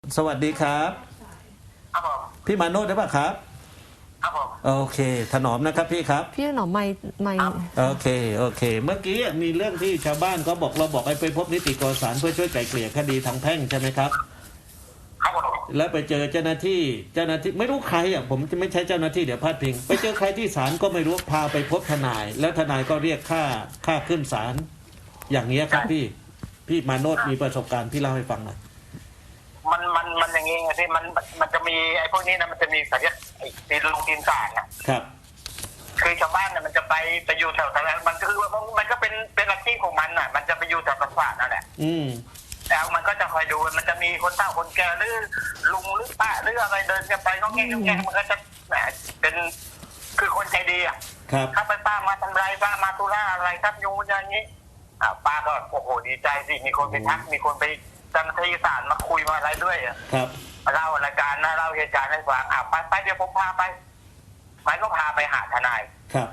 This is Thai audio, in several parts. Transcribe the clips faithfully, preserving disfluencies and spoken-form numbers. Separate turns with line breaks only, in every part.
สวัสดีครับ
ครับผม
พี่มาโนดได้ป่ะครับ
ครับผม
โอเคถนอมนะครับพี่ครับ
พี่หนอมไม่ไม่
โอเคโอเค เมื่อกี้มีเรื่องที่ชาวบ้านเขาบอกเราบอกให้ไปพบนิติกรศาลเพื่อช่วยไกล่เกลี่ยคดีทางแพ่งใช่ไหมครับ
ครับผม
แล้วไปเจอเจ้าหน้าที่เจ้าหน้าที่ไม่รู้ใครอ่ะผมจะไม่ใช่เจ้าหน้าที่เดี๋ยวพลาดพิงไปเจอใครที่ศาลก็ไม่รู้พาไปพบทนาย แล้วทนายก็เรียกค่าค่าขึ้นศาลอย่างเงี้ยครับพี่พี่มาโนดมีประสบการณ์พี่เล่าให้ฟังหน่อย
มันมันมันอย่างงี้ไงที่มันมันจะมีไอ้พวกนี้นะมันจะมีสัญญาไอ้ตีนลงตีนศาลนะครับคือชาวบ้านเนี่ยมันจะไปไปอยู่แถวตรงนั้นมันก็คือว่ามันก็เป็นเป็นหน้าที่ของมันอ่ะมันจะไปอยู่แถวตลาดนั่นแหละ
อืม
แล้วมันก็จะคอยดูมันจะมีคนเฒ่าคนแก่หรือลุงหรือป้าหรืออะไรเดินกันไปก็แง่แง่มันก็จะแหมเป็นคือคนใจดีอ่ะ
ครับ
ถ้าไปป้ามาทำไรป้ามาตุลาอะไรครับยุงอย่างนี้อ่าป้าก็โอ้โหดีใจสิมีคนไปทักมีคนไปเจ้าหน้าที่ศาลมาคุยมาอะไรด้วยอ่ะ
ครับ
เล่ารายการนะเล่าเหตุการณ์ให้ฟังอ่ะไปไปเดี๋ยวผมพาไปมันก็พาไปหาทนาย
ครับ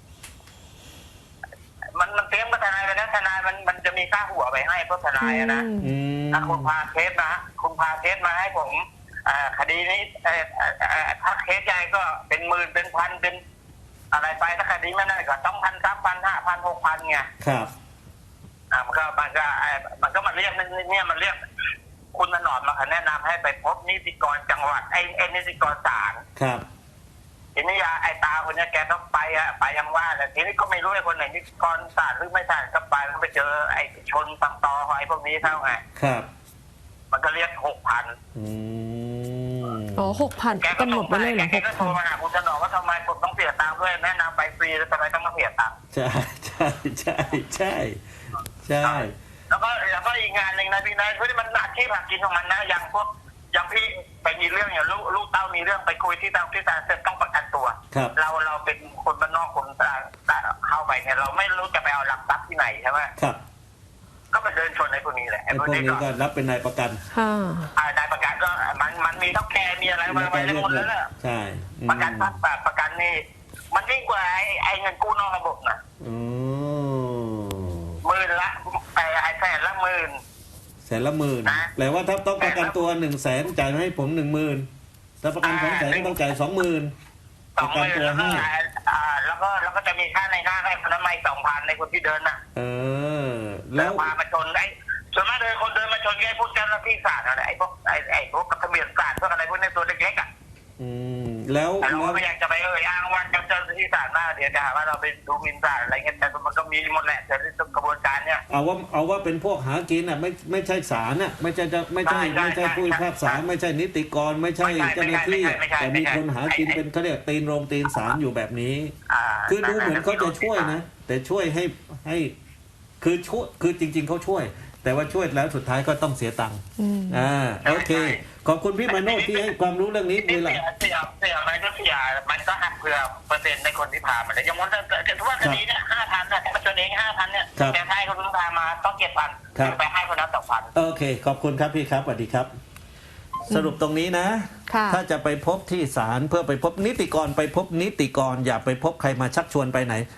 มันมันเตรียมกับทนายไปแล้วทนายมันมันจะมีค่าหัวไปให้พวกทนายนะถ้าคุณพาเคสนะคุณพาเคสมาให้ผมอ่าคดีนี้เอ่อถ้าเคสใหญ่ก็เป็นหมื่นเป็นพันเป็นอะไรไปถ้าคดีไม่ได้ก็ต้องพันสามพันห้าพันหกพันไง
ครับ
อ่ามันก็มันก็มันก็มาเรียกเนี่ยมันเรียกคุณถนอมมาแนะนำให้ไปพบนิติกรจังหวัดไอ้ไอ้นิติกรศาล
ครับ
ทีนี้ยาไอ้ตาคนนี้แกต้องไปอะไปยังว่าแต่ทีนี้ก็ไม่รู้ไอ้คนไหนนิติกรศาลหรือไม่ศาลก็ไปก็ไปเจอไอ้ชนตังตอไอ้พวกนี้เท่าไง
ครับ
มันก็เรียกหกพัน
อืม
อ๋อหกพัน
แกก็
กำหนดไว้เลยเหรอ
แกก็โทรมาหาคุณถนอมว่าทำไมผมต้องเสียตังค์ด้วยแนะนำไปฟรีแล้วทำไมต้องมาเสียตังค์
ใช่ใช่ใช่ใช่ใช่
แล้วก็แล้วก็อีกงานหนึ่งนะพี่นายเพราะที่มันอาชีพหากินของมันนะอย่างพวกอย่างพี่ไปมีเรื่องอย่างลูกลูกเต้ามีเรื่องไปคุยที่ทางที่ศาลเสร็จต้องประกันตัวเราเราเป็นคนบ้านนอกคนต่างเข้าไปเนี่ยเราไม่รู้จะไปเอาหลักทรัพย์ที่ไหนใช่ไหม
ครับ
ก็มาเดินชนในพวกนี้แหละ
ไอ้พวกนี้ก็รับเป็นนายประกัน
ค่ะ
นายประกันก็มันมันมีเท่าแก่มีอะไรมาไปเรื่องหมดแล้วเนี่ย
ใช่
ประกันพักแบบประกันนี่มันยิ่งกว่าไอ้ไอ้เงินกู้นอกระบบนะหมื่นละไอ้ไอ้แสนละหมื่น
แสนละหมื่นแปลว่าถ้าต้องประกันตัวหนึ่งแสนจ่ายให้ผมหนึ่งหมื่นถ้าประกันสองแสนต้องจ่ายสองหมื่น
ประกันตัวให้แล้วก็แล้วก็จะมีค่าในหน้าให้คนละไม่สองพันในคนที่เดินน่ะ
เออแล้ว
พามาชนไอ้ส่วนมากเลยคนเดินมาชนไอ้พวกเจ้าหน้าที่ศาลอะไรไอ้พวกไอ้ไอ้พวกกับทะเบียนศาลพวกอะไรพวกนี้ตัวเล็กๆอ่ะ
อืมแล้ว
เราไม่อยากจะไปเอ่ยอ้างว่าเจ้าหน้าที่ศาลมาเดี๋ยวจะหาว่าเราไปดูหมิ่นศาลอะไรเงี้ยแต่มันก็มีหมดแหละแต่กระบวนการเนี้ย
เอาว่าเอาว่าเป็นพวกหากินอ่ะไม่ไม่ใช่ศาลอ่ะไม่ใช่จะไม่ใช่ไม่ใช่ผู้พิพากษาไม่ใช่นิติกรไม่ใช่เจ้าหน้าที่แต่มีคนหากินเป็นเขาเรียกตีนโรงตีนศาลอยู่แบบนี้คือดูเหมือนเขาจะช่วยนะแต่ช่วยให้ให้คือช่วยคือจริงๆเขาช่วย แต่ว่าช่วยแล้วสุดท้ายก็ต้องเสียตังค์อ่าโอเคขอบคุณพี่มาโนดที่ให้ความรู้เรื่องนี้ดีละ
เสียเสียอะไรก็เสียมันก็หักเผื่อเปอร์เซ็นต์ในคนที่พามาเลยอย่างมันจะทุกวันคดีเนี่ยห้าพันเนี่ยมาชนเองห้าพันเนี่ยแต่ให้คนที่พามาต้องเจ็ดพันไปให้คนนั้นสองพัน
โอเคขอบคุณครับพี่ครับสวัสดีครับสรุปตรงนี้นะถ้าจะไปพบที่ศาลเพื่อไปพบนิติกรไปพบนิติกรอย่าไปพบใครมาชักชวนไปไหน